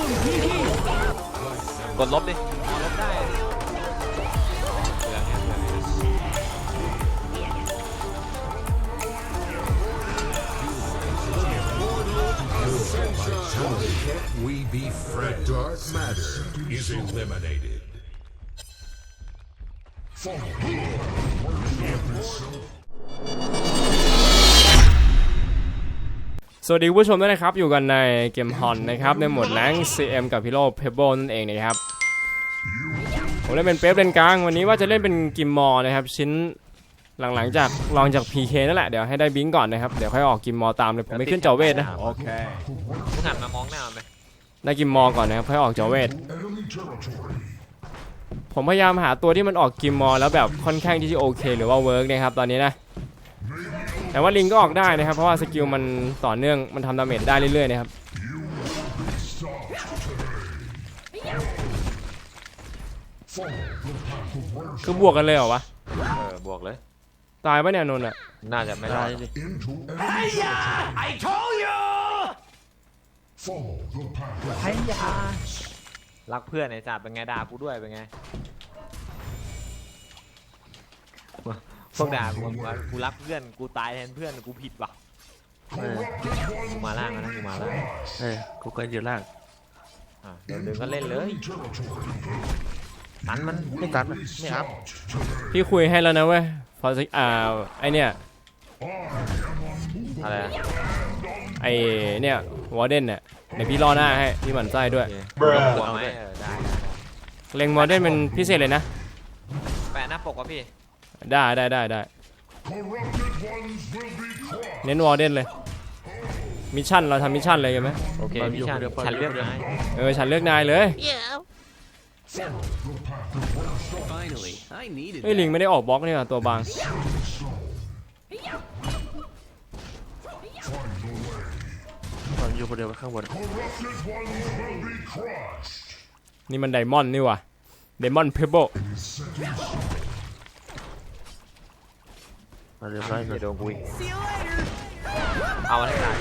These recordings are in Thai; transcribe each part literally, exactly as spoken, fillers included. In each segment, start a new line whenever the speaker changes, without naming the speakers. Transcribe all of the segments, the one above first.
กดลบดิลบได้เหลืองเนี่ยเหลืองเนี่ย
We be Fred. Dark matter is eliminated.
สวัสดีผู้ชมด้วยนะครับอยู่กันในเกมฮอนนะครับในโหมดแรงค์ ซี เอ็ม กับพิโลเพเบิลนั่นเองนะครับผมเล่นเป็นเป๊ปเลนกลางวันนี้ว่าจะเล่นเป็นกิมมอร์นะครับชิ้นหลังๆจากลองจาก พี เค นั่นแหละเดี๋ยวให้ได้บิงก่อนนะครับเดี๋ยวค่อยออกกิมมอร์ตามเลยผมไม่ขึ้นจอเวทนะโอเค
มึงหันมามองหน้าไหม
ได้กิมมอร์ก่อนนะครับค่อยออกจอเวทผมพยายามหาตัวที่มันออกกิมมอร์แล้วแบบค่อนข้างที่จะโอเคหรือว่าเวิร์กนะครับตอนนี้นะแต่ว่าลิงก็ออกได้นะครับเพราะว่าสกิลมันต่อเนื่องมันทำดาเมจได้เรื่อยๆนะครับคือบวกกันเลยเหรอวะ
เออบวกเลย
ตายปะเนี่ยนนท์อ่ะ
น่าจะไม่ได้ดิไอ้โถยไอ้ยารักเพื่อนไอ้จ่าเป็นไงด่ากูด้วยเป็นไงพวกด่ากูกูรักเพื่อนกูตายแทนเพื่อนกูผิดว่ะกูมาล่างนะกูมาล่าง
เออกูก็อยู่ล่าง
อ่ะเดินเดินก็เล่นเลยตันมัน
ไม่ตัดนะไม่อัพ
พี่คุยให้แล้วนะเว้ยพอสิอ่าไอเนี่ย
อะไร
ไอเนี่ยวอร์เดนเนี่ยเดี๋ยวพี่รอหน้าให้พี่หมั่นไส้ด้วย
หัวไหมเออได้
เล็งวอร์เดนเป็นพิเศษเลยนะ
แปะหน้าปกวะพี่
ได้ได้ได้ได้เน้นวอร์เดนเลยมิชชั่นเราทำมิชชั่นเลยกันไหม
โอเคมิชชั่นฉันเลือกนาย
เออฉันเลือกนายเลยเฮ้ยลิงไม่ได้ออกบล็อกนี่หว่าตัวบาง
มันอยู่คนเดียวข้างบน
นี่มันไดมอนด์นี่ว่ะไดมอนด์เพเบิล
มาเรียบร้อยเลย
โดนกูอีกเอามาให้ตาย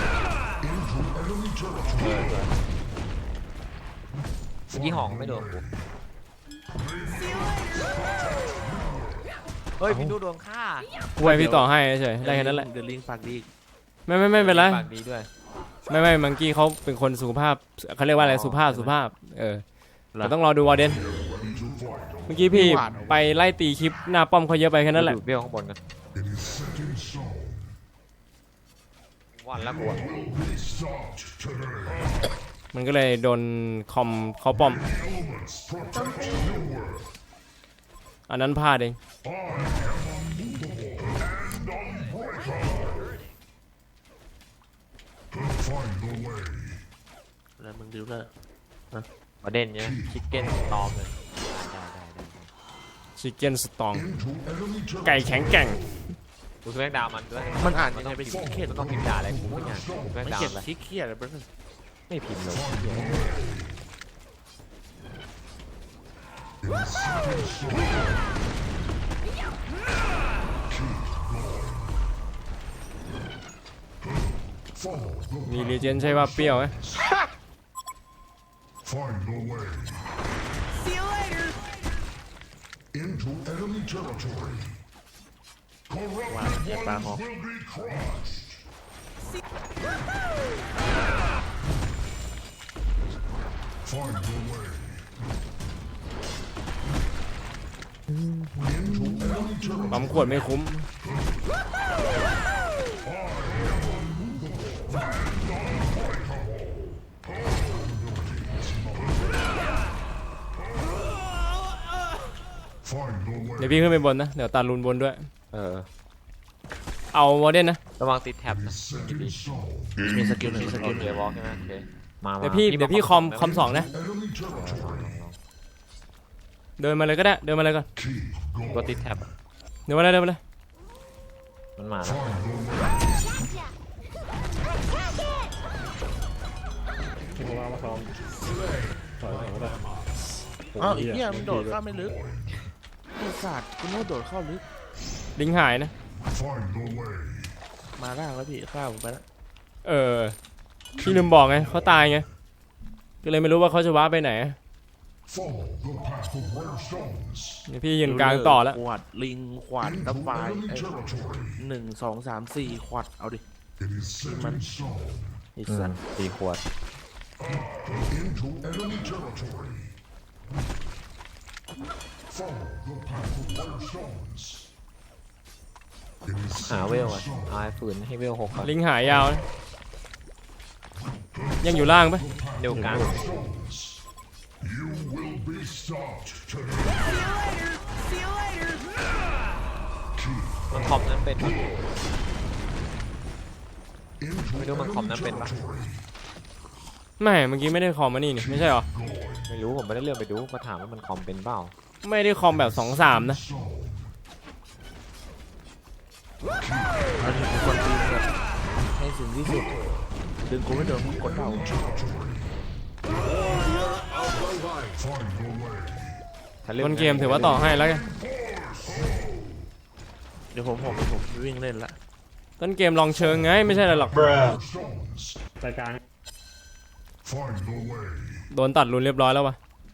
เออเมื่อกี้หองไม่โดนกูเฮ้ยพี่ดูโดนฆ่า
กูไปพี่ต่อให้เฉยได้แค่นั้นแหละ
เดี๋ยวลิงปากดี
ไม่ไม่ไม่เป็นไร
ปากดีด้วย
ไม่ไม่มังกี้เขาเป็นคนสุภาพเขาเรียกว่าอะไรสุภาพสุภาพเออแต่ต้องรอดูวอร์เดนเมื่อกี้พี่ไปไล่ตีคลิปหน้าป้อมเขาเยอะไปแค่นั้นแหละ
เบี้ยวข้างบนกันวันละกู
มันก็เลยโดนคอมเขาป้อมอันนั้นพลาดเอง
แล้วมึงดูแล้ว
ประเด็นเนี่ยชิคเก้นตอมเลยได้ได้ได้
ชิคเก้นสตองไก่แข็งแกร่ง
กูแม่งดาวมันด้วย
มันอ่านยังไงเป็นชิคเก้น
ต้องพิมพ์ด่าอะไรกูไม่งานกูแม่งดาว
อะไรชิคเก้นอะไรบ้าง
ไม่พิมพ์เลย
มีเลเจนด์ใช่ว่าเปรี้ยวไหม
ว้าวเนี่ยปลาหอก
ปั๊มขวดไม่คุ้มเดี๋ยวพี่ขึ้นไปบนนะเดี๋ยวตาลุนบนด้วย
เออ
เอาวอร์เดนนะ
ระวังติดแท็บนะ
มีสกิลหนึ่งสกิล
เดี๋ยววอล์กใช่ไหมโอเคมา
เดี๋ยวพี่เดี๋ยวพี่คอมคอมสองนะเดินมาเลยก็ได้เดินมาเลยก่อน
ตัวติดแท็บ
เดินมาเลยเดินมาเลย
มันมาแล้ว
อ้าวเนี่ยมันโดดเข้าไม่ลึกไอ้สัตว์กูโน้ตโดดเข้าลึก
ลิงหายนะ
มาล่างแล้วพี่ข้าวผมไปแล้ว
เออพี่ลืมบอกไงเขาตายไงก็เลยไม่รู้ว่าเขาจะว้าไปไหน
Follow the path of rare stones.
นี่พี่ยืนกลางต่อแล้ว
ขวดลิงขวัด
Into
น้ำปลาย
enemy
เอ้ย
territory.
หนึ่งสองสามสี่ขวัดเอาดิ
It is set in stone.
ไอ้
อื
สั
ม
ตว์
สี่ขวด
Into enemy territory. Follow the path of rare stones. It is
หา
set
เวล
in
อ่ะ
stone.
เอาให้ฝืนให้เวลหกก่อน
ลิงหายาวนะยังอยู่ล่างปะ
เร็วกลาง
Stones. You will be stopped today.
มันคอมนั้นเป็นปะ
Into
ไม่รู้มันคอม
enemy
นั้นเป็นปะ
territory.
ไม่เมื่อกี้ไม่ได้คอมมานี่นี่ไม่ใช่เหรอ
ไม่รู้ผมไม่ได้เลื่อนไปดูมาถามว่ามันคอมเป็นเปล่า
ไม่ได้คอมแบบสองสามนะ
Stone.
อันนี้เป็นคนตีแบบให้ถึงที่สุดดึงกูไม่โดนมึงกดเดา
Find the way.
ถ้าลื่
ต้นเกมถือว่าต่อให้แล้วกัน
เดี๋ยวผมผมผมวิ่งเล่นละ
ต้นเกมลองเชิงไงไม่ใช่อะไรหรอก
Stones.
รายการ
Find the way.
โดนตัดรุนเรียบร้อยแล้ววะ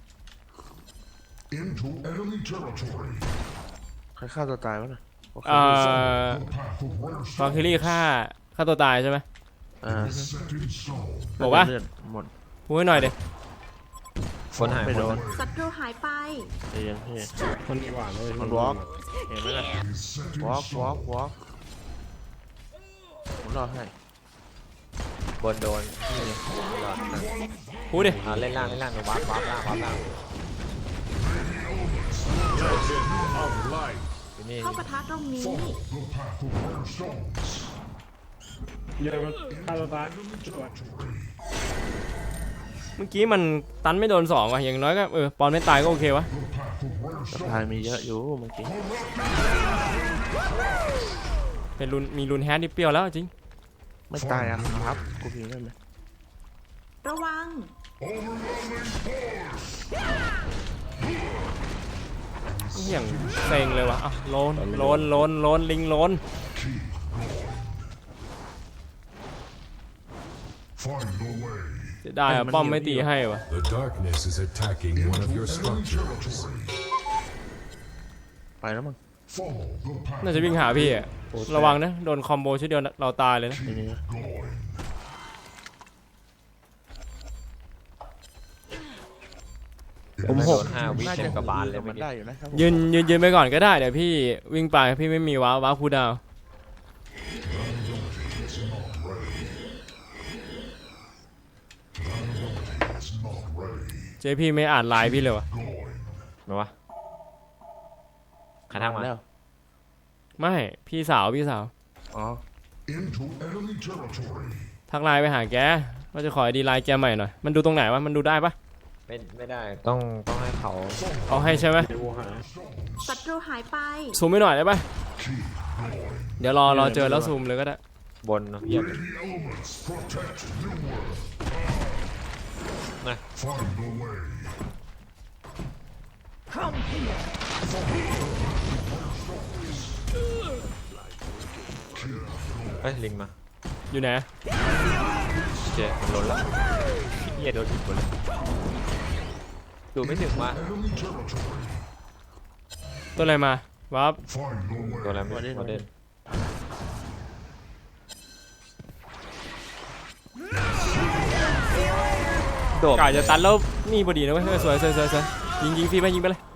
Into enemy territory.
ใครฆ่าตัวตายวะน่ะโอเค
เอ่อ
The path of rare
ฟอร์คิลี่ฆ่าฆ่าตัวตายใช่ไหม
อ่า
is set in stone.
บอกว่า
เลือดหมด
พูดให้หน่อยเด็
คนหาย
ไม่
หม
โด
ด
น
ศัตรูหายไป
เอียงพี่
คนดีกว่าเลย
มันวอล์กเห็นไหมล่ะ
Is set in
วอล์กวอล์ก
stone.
วอล์กผมรอให้
บนโดนนี่รอดนะ
พูดดิ
อ่าเล่นล่างเล่นล่างเดี๋ยววาร์ปวาร์ปล่างวาร์ปล่าง
Of light.
อยู่นี่
เข้าปะทะตรงนี้
The path of rare stones.
เยอะมากฆ่าตัวตาย
เมื่อกี้มันตันไม่โดนสองว่ะอย่างน้อยก็เออปอนไม่ตายก็โอเควะ
The path of rare
สะ
stones.
พายมีเยอะอยู่เมื่อกี้
เป็นรุนมีรุนแฮดที่เปรี้ยวแล้วจริง
ไม่ตายอะครับกูพิมพ์ได้ไหม
ระวัง
อย่างเซ็งเลยวะอ่ะโลนโลนโลนโลนลิงโลน
Find the way.
เสียดายอ่ะป้อมไม่ตีให้วะ
The darkness is attacking one of your structures.
ไปแล้วมั้ง
Follow the path.
น่าจะวิ่งหาพี่อ่ะระวังนะโดนคอมโบชุดเดียวเราตายเลยนะ
นี่นี่
ผมโดนห้าวิ
น่า
เต็
จะ
มกระบาลเลย
มั
เมื่อน กี้
ได้อยู่นะครับผม
ยืนยืนยืนไปก่อนก็ได้เดี๋ยวพี่วิ่งไปพี่ไม่มีว้าวว้าวคูลดาวน์เจพี่ไม่อ่านไลน์พี่เลยวะ
มาวะใครทักมา
แล้ว
ไม่พี่สาวพี่สาว
อ๋อ
Into enemy territory.
ทักไลน์ไปหาแกว่าจะขอไอดีไลน์แกใหม่หน่อยมันดูตรงไหนวะมันดูได้ปะ
ไม่ไม่ได้ต้องต้องให้เขา
เอาให้ใช่ไหม
เดี๋ยวกูหา
ศัตรูหายไป
ซูมไม่หน่อยได้ปะเดี๋ยวรอรอเจอแล้วซูมเลยก็ได้
บนเพียบเลย
The elements protect New World.
นะ
Find the way.
เฮ้ยลิงมา
อยู่ไหน
เจ๊มันล้นแล้วเฮียโดนผิดหมดเลยดูไม่ถึงว่า
Enemy territory.
ตัวอะไรมาวับ
Find the
ตัว
way.
อะไรไม่โมเดลโดด
กาจะตันแล้วนี่พอดีนะเว้ยเออสวยสวยสวยสวยยิงยิงฟรีไปยิงไปเลย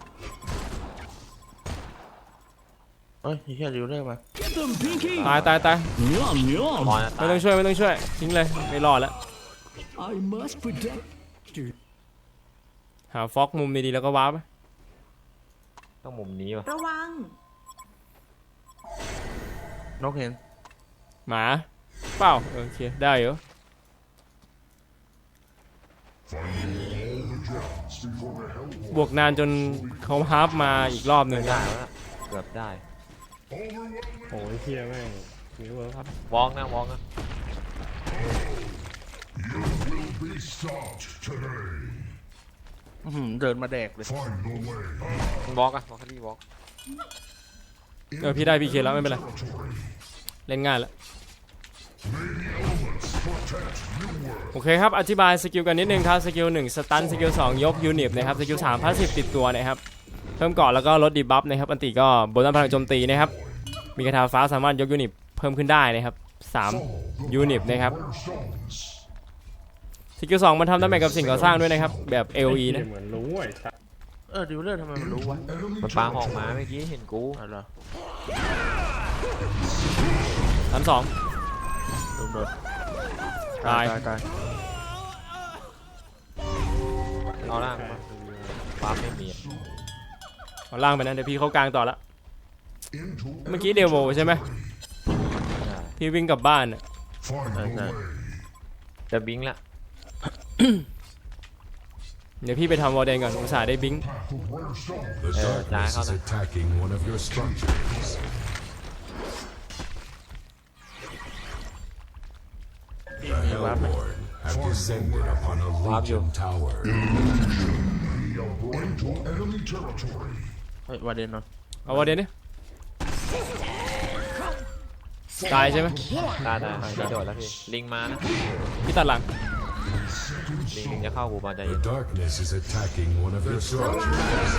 เอ้ยเฮียริวเรื่อยมา
ตายตายตาย
มอนอะ
ไม่
ตาย
ต้องช่วยไม่ต้องช่วยทิ้งเลยไม่รอดแล้ว
I must protect
หาฟอกมุมดีๆแล้วก็ว้าร์ป
ต้องมุมนี้วะ
ระวัง
นกเห็น
หมาเปล่าเออโอเคได้อยู่
Before the hell
บวกนานจนเขาฮาร์ปมาอีกรอบหนึ่ง
ได้แล้วนะเกือบได้
โอ้ยเฮียแม่งมีเวิร์คครับ
วองนะวองนะ
will be stopped today.
อื้อหือเดินมาแดกเลย
Find the way.
มันวอกอะวอกคดีวอก
เออพี่ได้พี่เคแล้วไม่เป็นไร
Territory.
เล่นง่ายแล้ว
May the elements
โอเคครับอธิบายสกิลกันนิดนึงครับสกิลหนึ่งสตันสกิลสองยกยูนิตนะครับสกิลสามพาสซีฟติดตัวนะครับเพิ่มเกาะแล้วก็ลดดีบัฟนะครับอันติก็บนต้นพลังโจมตีนะครับมีคาถาฟ้าสามารถยกยูนิตเพิ่มขึ้นได้นะครับสามยูนิตนะครับสกิลสองมันทำดาเมจกับสิ่งก่อสร้างด้วยนะครับแบบ เอ โอ อี นะ
เหมือนรู้ไอ้สัส
เออดิวเลอร์ทำไมมันรู้วะ
มันปาหอกมาเมื่อกี้เห็นกู
อะไรเหรอ
สามสอง
โดนโดน
ตาย
ตายตาย
เอาล่างมาปาไม่มีอะ
เอาล่างไปนะเดี๋ยวพี่เข้ากลางต่อละเมื่อกี้เดวโวใช่ไหมพี่วิ่งกลับบ้านน่ะ
ใช่ใช่
จะบิงละ
เดี๋ยวพี่ไปทำวอลเดนก่อนอุตส่าห์ได้บิง
The darkness is attacking one of your structures. The Hellborn have descended upon a Legion tower.
เฮ้ยวาเดนเนาะ
เอาวอลเดนดิตายใช่ไหม
ตายตายพี่โดดแล้วพี่ลิงมานะ
พี่ตัดหลัง
ลิงลิงจะเข้ากูมาใจเย็
The
น
darkness is attacking one of your structures.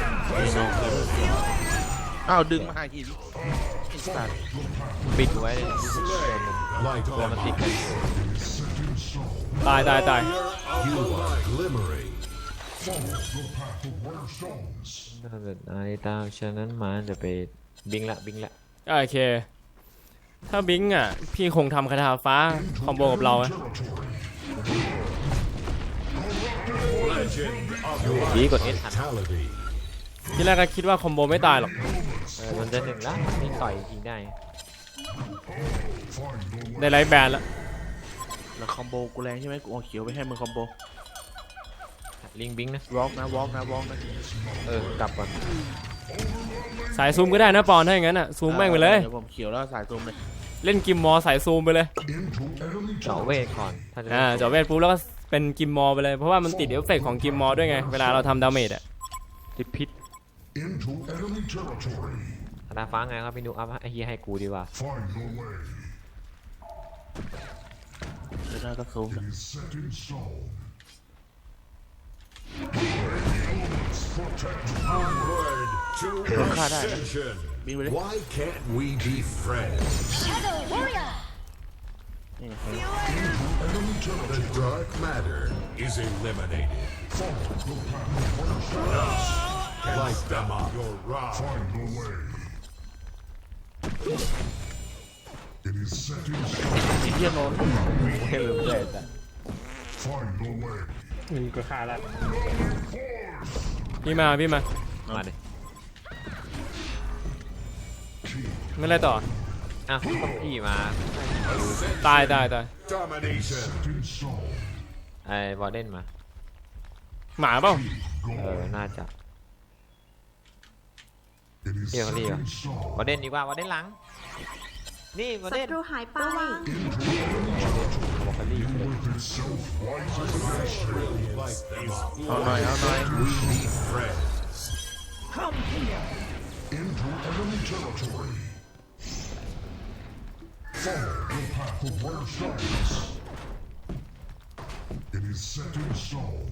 อ้าวดึงมาให้อีกไอ้สัตว์
ปิดกูไว้เลย
Light
ตัวมัน
on
ติดกัน
ตายตายตาย
you are glimmering.
ถ้าเกิดอะไรตามฉะนั้นมาจะไปบิงละบิงละ
โอเคถ้าบิงอ่ะพี่คงทำคาถาฟ้าคอมโบกับเราอะ
ดีกดเอสทัน
Fatality.
ที่แรกก็คิดว่าคอมโบไม่ตายหรอก
เออมันจะถึงแล้วมันนี่ต่อยยิงได้
ได้ไลฟ์แบนแล้ว
แล้วคอมโบกูแรงใช่ไหมกูเอาเขียวไปให้มึงคอมโบ
ลิงบิงนะ
วอล์กนะวอล์กนะวอล์กนะ
เออกลับก่อน
สายซูมก็ได้นะปอนถ้าอย่างนั้นอ่ะซูมแม่งไปเลย
เดี๋ยวผมเขียวแล้วสายซูมเลย
เล่นกิมมอสายซูมไปเลย
เจาะเวทก่อนถ้าจะ
อ่าเจาะเวทปุ๊บแล้วก็เป็นกิมมอไปเลยเพราะว่ามันติดเอฟเฟกต์ของกิมมอด้วยไงเวลาเราทำดาเมจอ่ะ
ติดพิษธนาฟ้าไงครับพี่นุ๊กเอาไอ้เฮียให้กูดีกว่า
เดี๋ยวได้ก็ซูม
Onward to ascension.
บินไปเลย
Why can't we be friends? The dark matter is eliminated. Light them up. Your wrath.
ไอ้เหี้ยโนน
ไม่รู้เลยแต่
มึงก็ฆ่าละ
พี่มาพี่มา
มาดิ
ไม่ไรต่อ
อ้าวต้องพี่มา
ตายตายตาย
Domination.
ไอ้บอลเดนมา
หมาเปล่า
เออน่าจะเรียกเขาเรียกบอลเดนดีกว่าบอลเดนหลังนี่บอล
ศั
เดน
ตรูหายไประวัง
บอกเขาเรียก
Light them up.
เอาหน่อยเอาหน่อย
We be friends.
It is set in stone.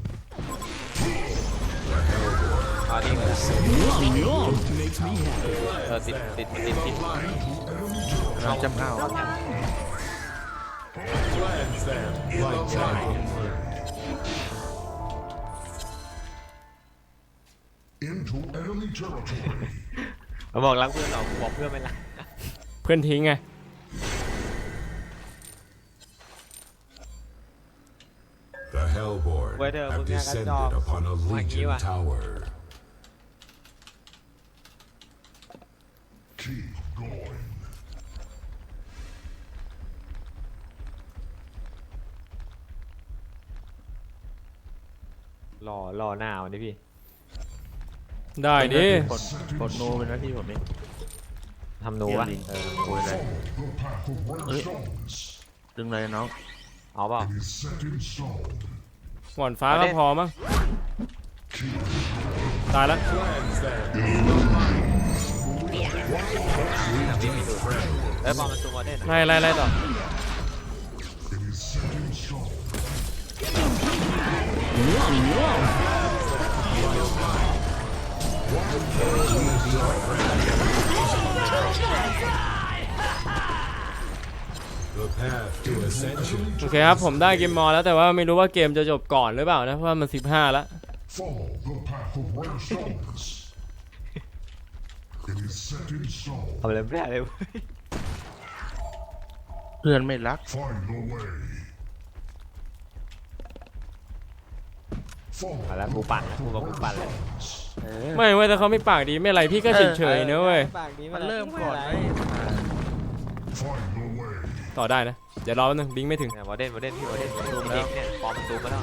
อ่านี่เลย
Love makes me happy.
เออติดติดติดติด
เราจำเอา
Cleanse them. Light them up.
Into enemy territory.
มาบอกรักเพื่อนเราบอกเพื่อนไม่รัก
เพื่อนทิ้งไง
The Hellborn have descended upon a Legion tower.
Keep going.
รอรอหน้าวันนี้พี่
ได้ดิ
กดกดโนเป็นหน้าที่ผมเอง
ทำหนูวะเออ
โอ้ยอะไร
The path of rare
Ơi.
stones.
ดึงเลยน้อง
เอาเปล่า
It is set in stone.
หวานฟ้าก็พอมั้งตายแล้ว
Cleanse them.
เอ้ยบอลมันซูมบอลเดน
ไล่ไล่ไล่ต่อ
It is set in
Yum, yum.
The path to ascension
โอเคครับผมได้เกมมอลแล้วแต่ว่าไม่รู้ว่าเกมจะจบก่อนหรือเปล่านะเพราะว่ามันสิบห้าแล้ว
Follow the path of rare stones. It is set in stone.
ทำอะไรไม่ได้เลยเว้ย
เพื่อนไม่รัก
Find the way.
มา
Follow
แล้วกูปั่นแล้วกูบอกกูปั่นแล้ว
เออ
ไม่เว้ยแต่เขาไม่ปากดีไม่ไรพี่ก็เฉยๆนะเว้ย
ปากดี
มันเริ่มก่อนไหม
Find the way.
ต่อได้นะเดี๋ยวรอแป๊บนึงบิงไม่ถึง
เนี่ยวอเดนวอเดนพี่วอเดนซูมแล้วเนี่ยฟอร์มมันซูมมาแล้ว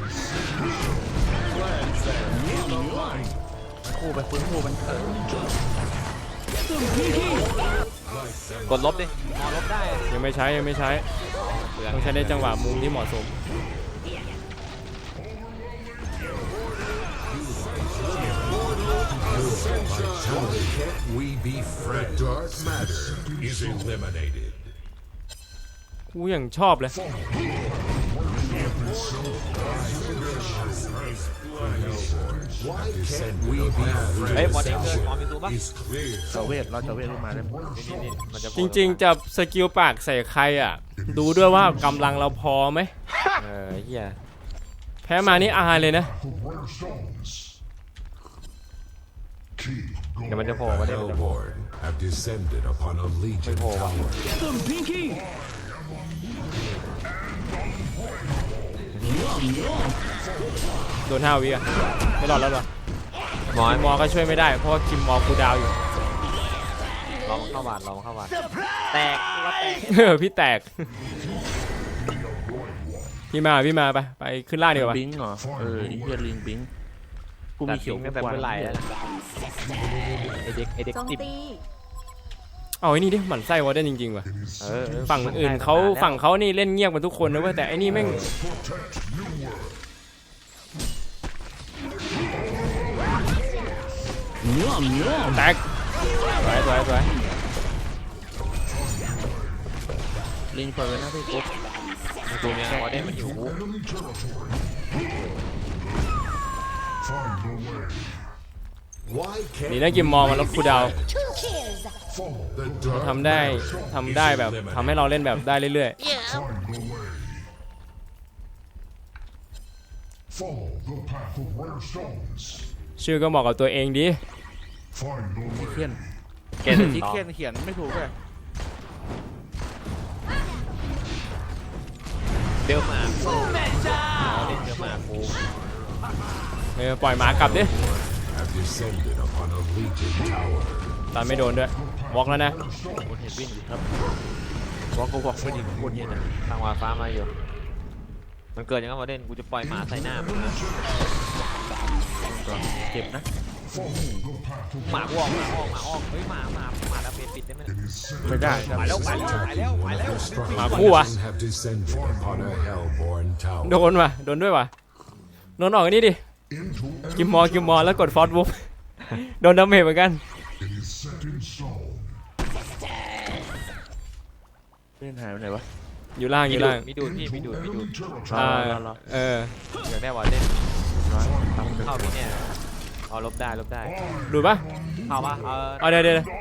คู่ไปฟื้นคู่มันเออก
ดลบดิมอลบได้อะ
ยังไม่ใช้ยังไม่ใช้
เปลือง
ต้องใช้ในจังหวะมุมที่เหมาะสม
we be Fred dark matter is eliminated
กูยังชอบเลย
why can't we be
เฮ้ยวอ
Fred
เดนเกินฟอร์มมันซูมปะ
is clear
เจาเวทเราเจาเวทขึ้นมาได้
นี่นี่มันจะ
จริงๆจะสกิลปากใส่ใครอ่ะ ดูด้วยว่ากำลังเราพอไหม
เออเฮีย
แพ้มานี่อายเลยนะ
Path of rare stones. Keep
เดี๋ยวมัน
going.
จะโผล่วอเดนมันจะโผล่
Hellborn have descended upon a legion
Wait, hold on.
tower
Get them, Pinky. Yum, yum.
โดนห้าวิอ่ะไม่รอดแล้วหรอ
มอ
คิมมอก็ช่วยไม่ได้เพราะว่าคิมมอกูดาวอยู่
ลองเข้าบาดลองเข้าบาดแตกว่าแตก
เออพี่แตก พี่มาพี่มาไปไปขึ้นล่างดีกว่า
บิงเหรอเออไอ้เฮียลิงบิงกู
ตั
มี
ด
เขียว
ทิ้งตั้งแต่
กว่า
เมื่อไหร่แล้วไอเด็กไอเด็ก
โจม
ติด
ตี
เอาไอ้นี่ดิหมั่นไส้วอเดนจริงๆว่ะ
เออเออ
ฝั่งอื่นเขาฝั่งเขานี่เล่นเงียบกันทุกคนนะเว้ยแต่ไอ้นี่แม่ง
Yum, yum.
แตกสวยสวยสวย
ลิงเปิดไว้หน้าพี่ปุ๊บ
ดูเนี่ยวอเดนมันอยู่
Enemy territory. Find the way.
why can't
ดีนะกิมมอมันลดคูลดาวน์
Follow
ทำได้ทำได้แบบทำให้เราเล่นแบบได้เรื่อย
Find the way. Follow the path of rare stones.
ๆ ชื่อก็เหมาะกับตัวเองดี
Find the
เขีย
way.
น
เกณฑ์
ที่
ต่อ
เขียนเขียนไม่ถูกเลย
เดี๋ยวมากูเล่นเดี๋ยวมากู
เออปล่อยหมากลับดิ
have descended upon a legion tower
ตอนไม่โดนด้วยวอล์กแล้วนะ
คนเห็นวิ่งอยู่ครับบอกกูบอกไม่ดีคนเห็นนะ
ทางวาฟ้ามาอยู่มันเกิดอย่างนั้นวอเดนกูจะปล่อยหมาใส่หน้ามึงนะ
เจ็บนะ
หมากูออกหมาออกหมาออกเฮ้ยหมาหมาหมาดาเมจปิดได้ไหม
ไม่ได้ครับ
ไปแล้วไปแล้วไปแล้วไปแล้ว
หมาคู่วะ
have descended upon a hellborn
โด
tower
นว่ะโดนด้วยว่ะโดนออกอันนี้ดิ
Into
กิมมอกิมมอแล้วกดฟอสบุ๊กโดนดาเมจเหมือนกัน
It is set in stone.
เล่นหายไปไหนวะ
อยู่ล่างอ
มี
ยู่
ดู
ล่า
ด
ง
มีดูดพี่มีดูดมีดูด
Enemy
อ่า
territory.
รอรอ
เออ
เดี๋ยวได้วอเดน
น้อยตาม
เข้าพี่เนี่ยเอาลบได้ลบได้
ดูดปะ
เข้าปะเออ
เอาเดี๋ยวเดี๋ยวเดี๋ยว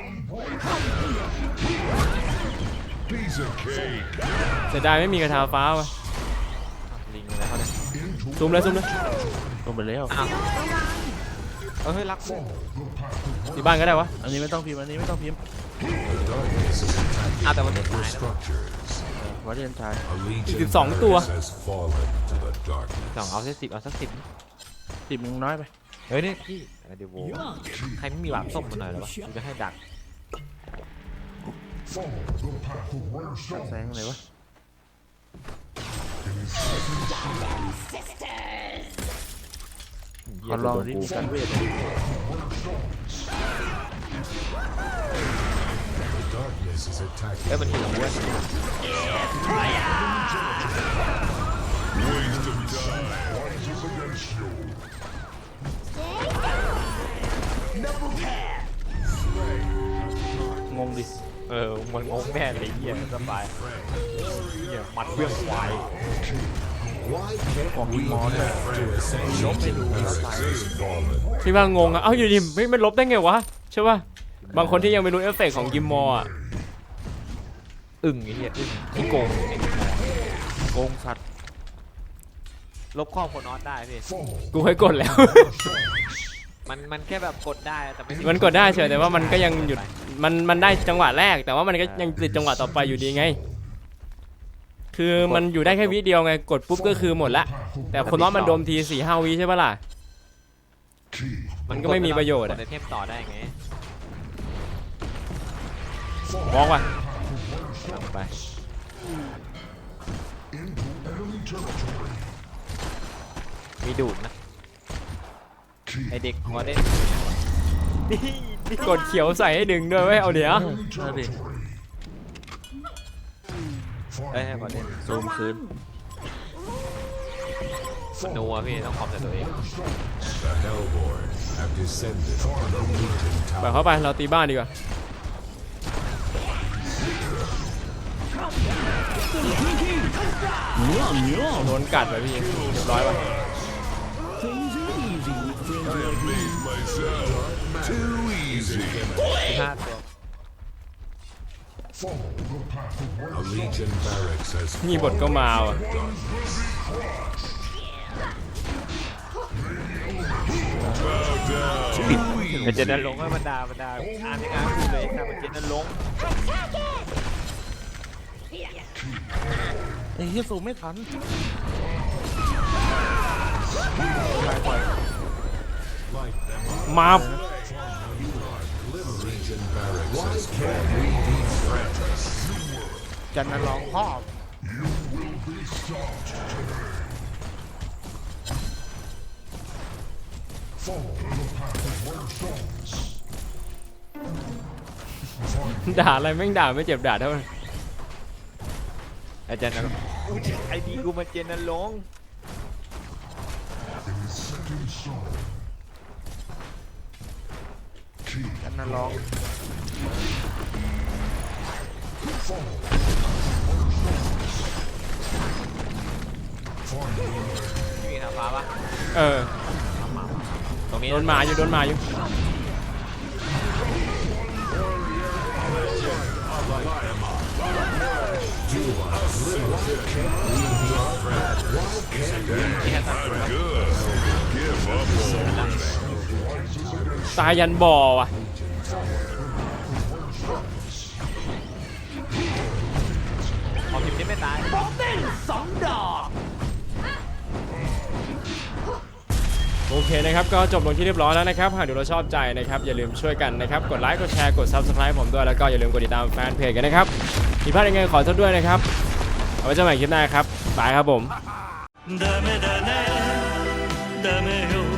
Piece of cake.
เสียดายไม่มีกระทาฟ้าวะ
ลิงอะไรเขาเนี่ย
Into
ซูมเลยซูมเลย
ลงไปแล้ว
อ้าวเออเฮ้ยรักกู
ที่บ้านก็ได้วะ
อันนี้ไม่ต้องพิมพ์อันนี้ไม่ต้องพิมพ์
darkness is attacking
อ้าวแต่วันนี้
your
ตายนะ
structures
วัดเรียนชาย
a legion
สิบสองตัว
has fallen to the
สอง
darkness
เอาสักสิบเอาสักสิบ
สิบมึงน้อยไป
เฮ้ยเนี่ยพี่เดี๋ยวโว้ใครไม่มีหวานส้มมาหน่อยเหรอวะกูจะให้ดัก
Follow the path of rare
แสง
stones.
อะไรวะ
It is set in stone.
ขอลองดิมีการเวท
the darkness is attacking
เอ้ยมันหิวเว้ย
Rises against you.
งงดิ
เออมันงงแน่เลยเหี้ยสบายเหี้ยมัดเรื่องควาย
Why can't
Walking
we
on
get
it.
to Ascension barracks has fallen?
ที่ว่างงอะเอ้าอยู่ดีไม่ไม่ลบได้ไงวะใช่ป่ะบางคนที่ยังไม่รู้เอฟเฟกต์ของกิมมอร์อะ
อึ่งไอ้เหี้ยอึ่งที่โกงไอ้
โกงสัตว์
ลบข้อโคนอสได้พี่
กูเคยกดแล้ว
มันมันแค่แบบกดได้แต่ไม่
มันกดได้เฉยแต่ว่ามันก็ยังหยุดมันมันได้จังหวะแรก แต่ว่ามันก็ยังติดจังหวะต่อไปอยู่ดีไง คือมันอยู่ได้แค่วิเดียวไงกดปุ๊บก็คือหมดละแต่คนน้องมันโดมทีสี่ห้าวิใช่ปะล่ะมันก็ไม่มีประโยชน์
ก
อะ
ดในเทมต่อได้ไง
มองว่ะ
ลงไปมีดูดนะไอเด็กหัวเด่น
กดเขียวใส่ให้ดึงด้วยไว้ยเอาเดี๋ยว
นั่นดิ
เอ้ยให้หัวเด่น
ซูมคืน
นัวพี่ต้องขอบแต่ตัวเอง
The Hellborn have descended on the Legion
ไป
Tower.
เข้าไปเราตีบ้านดีกว่า
妙妙
โดนกัดไปพี่เรียบร้อยป่ะ
Things are easy with friends like me.
Myself too easy.
ห้าตัว
A Legion barracks has
นี่บทก็มาว่ะ
แต่เจนนั้นลงให้บรรดาบรรดาอ่านยังไงพูดเลยถ้ามันเจนนั้นลง
ไอ้เฮียซูมไม่ทัน
มา
Legion barracks has fallen. We befriend us.
จันนร้องพ่อ
ด่าอะไรแม่งด่าไม่เจ็บด่าเท่าไหร่
ไอเจนนั้นกูจะไอดีกูมันเจนนั้นลง
จันนร้อง
มีทางฟ้าปะ
เออ
ตรงนี้
โดนมาอยู่โดนมาอยู่ ตายยันบ่อว่ะ
ขอพิมพ์นี่ไม่ตาย
โอเคนะครับก็จบลงที่เรียบร้อยแล้วนะครับหากดูเราชอบใจนะครับอย่าลืมช่วยกันนะครับกดไลค์กดแชร์กด ซับสไครบ์ ผมด้วยแล้วก็อย่าลืมกดติดตามแฟนเพจกันนะครับผิดพลาดยังไงขอโทษด้วยนะครับเอาไว้เจอกันใหม่คลิปหน้าครับบายครับผม
ダメだねダメよ